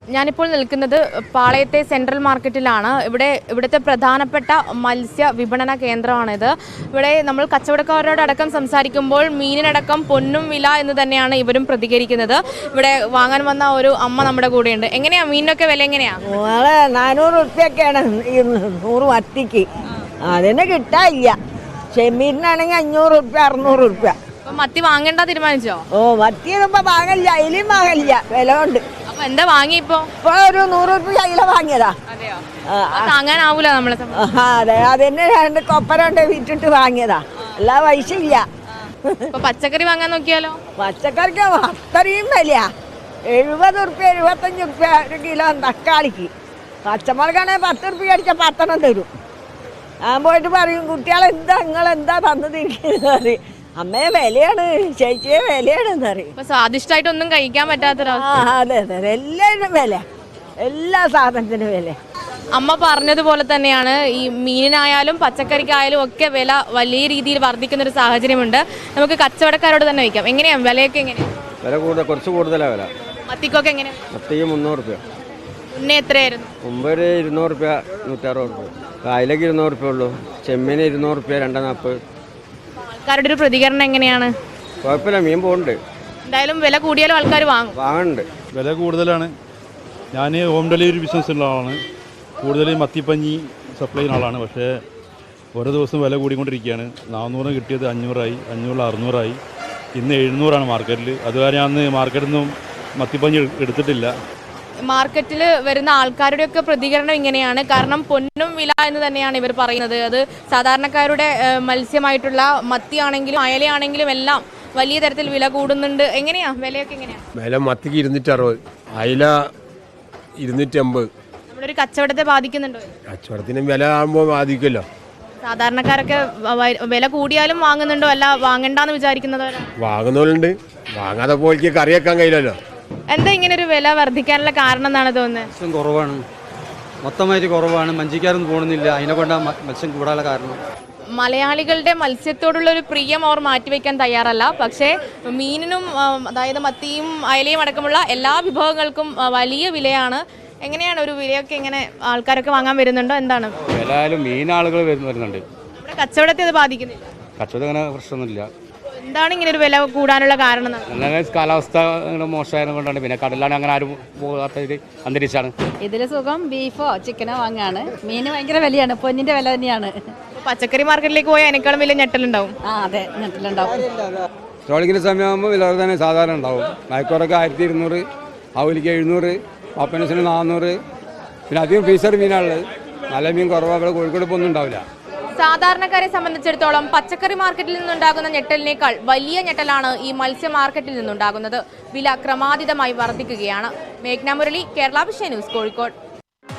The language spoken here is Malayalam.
ഞാനിപ്പോൾ നിൽക്കുന്നത് പാളയത്തെ സെൻട്രൽ മാർക്കറ്റിലാണ്. ഇവിടുത്തെ പ്രധാനപ്പെട്ട മത്സ്യ വിപണന കേന്ദ്രമാണിത്. ഇവിടെ നമ്മൾ കച്ചവടക്കാരോടക്കം സംസാരിക്കുമ്പോൾ മീനിനടക്കം പൊന്നും വില എന്ന് തന്നെയാണ് ഇവരും പ്രതികരിക്കുന്നത്. ഇവിടെ വാങ്ങാൻ വന്ന ഒരു അമ്മ നമ്മുടെ കൂടെയുണ്ട്. എങ്ങനെയാ മീനിനൊക്കെ വില എങ്ങനെയാ? 400 റുപ്യൊക്കെയാണ് 100 മത്തിക്ക്. അതിന് കിട്ടാനില്ല. ചെമ്മീനാണെങ്കിൽ 500 റുപ്യ 600 റുപ്യ. മത്തി വാങ്ങേണ്ട തീരുമാനിച്ചോ? മത്തി ഇപ്പൊ വാങ്ങില്ല, അതിലും വാങ്ങില്ല, വില കൊണ്ട്. അപ്പൊ എന്താ വാങ്ങി ഇപ്പൊ ഒരു 100 റുപ്യ അതിലെ വാങ്ങിയതാ. താങ്ങാനാവൂല നമ്മളെ. അതെ, അതിന് 2 കൊപ്പര വിറ്റിട്ട് വാങ്ങിയതാ, എല്ലാ പൈസ ഇല്ല. പച്ചക്കറി വാങ്ങാൻ നോക്കിയാലോ? പച്ചക്കറിക്ക് അത്രയും വില. 70 റുപ്യ 75 റുപ്യ ഒരു കിലോ തക്കാളിക്ക്. പച്ചമുളകാണെങ്കിൽ 10 റുപ്യ അടിച്ച 10 തരും. ഞാൻ പോയിട്ട് പറയും, കുട്ടികളെന്താ നിങ്ങളെന്താ തന്നതിരിക്കുന്നത്? അമ്മയെ വിലയാണ്, ചേച്ചിയെ വിലയാണെന്ന് അറിയും. സ്വാദിഷ്ടമായിട്ടൊന്നും കഴിക്കാൻ പറ്റാത്തൊരവസ്ഥ. അതെ അതെ, എല്ലാവരും വില, എല്ലാ സാധനത്തിനും വില. അമ്മ പറഞ്ഞതുപോലെ തന്നെയാണ് ഈ മീനിനായാലും പച്ചക്കറിക്കായാലും ഒക്കെ വില വലിയ രീതിയിൽ വർദ്ധിക്കുന്ന ഒരു സാഹചര്യമുണ്ട്. നമുക്ക് കച്ചവടക്കാരോട് തന്നെ വയ്ക്കാം. എങ്ങനെയാണ് വിലയൊക്കെ? എങ്ങനെയാണ് വില? കുറച്ച് കൂടുതലാണ് വില. മത്തിക്കൊക്കെ എങ്ങനെയാണ്? മത്തിക്ക് 300 റുപ്യ. മുന്നേ എത്രയായിരുന്നു? മുമ്പ് ഒരു 200 റുപ്യ 160 റുപ്യ. കായലേക്ക് 200 റുപ്യ ഉള്ളൂ. ചെമ്മീന് 200 റുപ്യ 240. ആൾക്കാരുടെ ഒരു പ്രതികരണം എങ്ങനെയാണ്? കുഴപ്പമില്ല, മീൻ പോകുന്നുണ്ട്. എന്തായാലും വില കൂടിയാലും ആൾക്കാർ വാങ്ങുന്നുണ്ട്. വില കൂടുതലാണ്. ഞാൻ ഹോം ഡെലിവറി ബിസിനസ് ഉള്ള ആളാണ്. കൂടുതൽ മത്തിപ്പഞ്ഞി സപ്ലൈ ചെയ്യുന്ന ആളാണ്. പക്ഷേ ഓരോ ദിവസം വില കൂടിക്കൊണ്ടിരിക്കുകയാണ്. 400 കിട്ടിയത് 500ആയി, 500 600ആയി. ഇന്ന് 700ആണ് മാർക്കറ്റിൽ. അതുവരെ അന്ന് മാർക്കറ്റിൽ നിന്നും മത്തിപ്പഞ്ഞി എടുത്തിട്ടില്ല. മാർക്കറ്റിൽ വരുന്ന ആൾക്കാരുടെയൊക്കെ പ്രതികരണം ഇങ്ങനെയാണ്. കാരണം പൊന്നും വില എന്ന് തന്നെയാണ് ഇവർ പറയുന്നത്. അത് സാധാരണക്കാരുടെ മത്സ്യമായിട്ടുള്ള മത്തിയാണെങ്കിലും അയലയാണെങ്കിലും എല്ലാം വലിയ തരത്തിൽ വില കൂടുന്നുണ്ട്. എങ്ങനെയാ വിലയൊക്കെ? എങ്ങനെയാ വില? മത്തിക്ക് 260, അയല 250. നമ്മുടെ ഒരു കച്ചവടത്തെ ബാധിക്കുന്നുണ്ടോ? കച്ചവടത്തിന് വില ആകുമ്പോൾ ബാധിക്കുമല്ലോ. സാധാരണക്കാരൊക്കെ വില കൂടിയാലും വാങ്ങുന്നുണ്ടോ, അല്ല വാങ്ങണ്ടെന്ന് വിചാരിക്കുന്നവരാ? വാങ്ങുന്നവരുണ്ട്, വാങ്ങാതെ പോയി കറിയാക്കാൻ കഴിയില്ലല്ലോ. എന്താ ഇങ്ങനെ ഒരു വില വർദ്ധിക്കാനുള്ള കാരണം എന്നാണ് തോന്നുന്നത്? മത്സ്യം കുറവാണ്, മൊത്തമായിട്ട് കുറവാണ്. മഞ്ചിക്കാരൊന്നും പോകുന്നില്ല, അതിനെ കൊണ്ടാണ് മത്സ്യം കൂടാനുള്ള കാരണം. മലയാളികളുടെ മത്സ്യത്തോടുള്ള ഒരു പ്രിയം അവർ മാറ്റിവെക്കാൻ തയ്യാറല്ല. പക്ഷേ മീനിനും അതായത് മത്തിയും അയലയും അടക്കമുള്ള എല്ലാ വിഭവങ്ങൾക്കും വലിയ വിലയാണ്. എങ്ങനെയാണ് ഒരു വിലയൊക്കെ? ഇങ്ങനെ ആൾക്കാരൊക്കെ വാങ്ങാൻ വരുന്നുണ്ടോ? എന്താണ് വില? മീനാളുകൾ വരുന്നുണ്ട്. നമ്മുടെ കച്ചവടത്തെ അത് ബാധിക്കുന്നില്ല? കച്ചവടം അങ്ങനെ പ്രശ്നമൊന്നുമില്ല. എന്താണ് ഇങ്ങനെ ഒരു വില കൂടാനുള്ള കാരണം? കാലാവസ്ഥ മോശമായത് കൊണ്ടാണ്. പിന്നെ കടലാണ്, അങ്ങനെ ആരും പോകാത്ത അന്തരീക്ഷമാണ്. ഇതിൽ സുഖം ബീഫോ ചിക്കനോ വാങ്ങാണ്. മീന് ഭയങ്കര വിലയാണ്, പൊന്നിന്റെ വില തന്നെയാണ്. പച്ചക്കറി മാർക്കറ്റിലേക്ക് പോയാൽ അതിനേക്കാളും വലിയ ഞെട്ടലുണ്ടാവും. അതെ, ഞെട്ടലുണ്ടാവും. ട്രോളിങ്ങിന്റെ സമയമാകുമ്പോൾ വില തന്നെ സാധാരണ ഉണ്ടാവും. മയക്കോറൊക്കെ 1200, അവലിക്ക് 700, പപ്പനസിന് 400. പിന്നെ അധികം ഫീസർ മീനാണുള്ളത്. നല്ല മീൻ കുറവാണ്. കോഴിക്കോട് ഇപ്പോൾ ഒന്നും ഉണ്ടാവില്ല. സാധാരണക്കാരെ സംബന്ധിച്ചിടത്തോളം പച്ചക്കറി മാർക്കറ്റിൽ നിന്നുണ്ടാകുന്ന ഞെട്ടലിനേക്കാൾ വലിയ ഞെട്ടലാണ് ഈ മത്സ്യ മാർക്കറ്റിൽ നിന്നുണ്ടാകുന്നത്. വില ക്രമാതീതമായി വർദ്ധിക്കുകയാണ്. മേഘ്ന മുരളി, കേരള വിഷൻ ന്യൂസ്, കോഴിക്കോട്.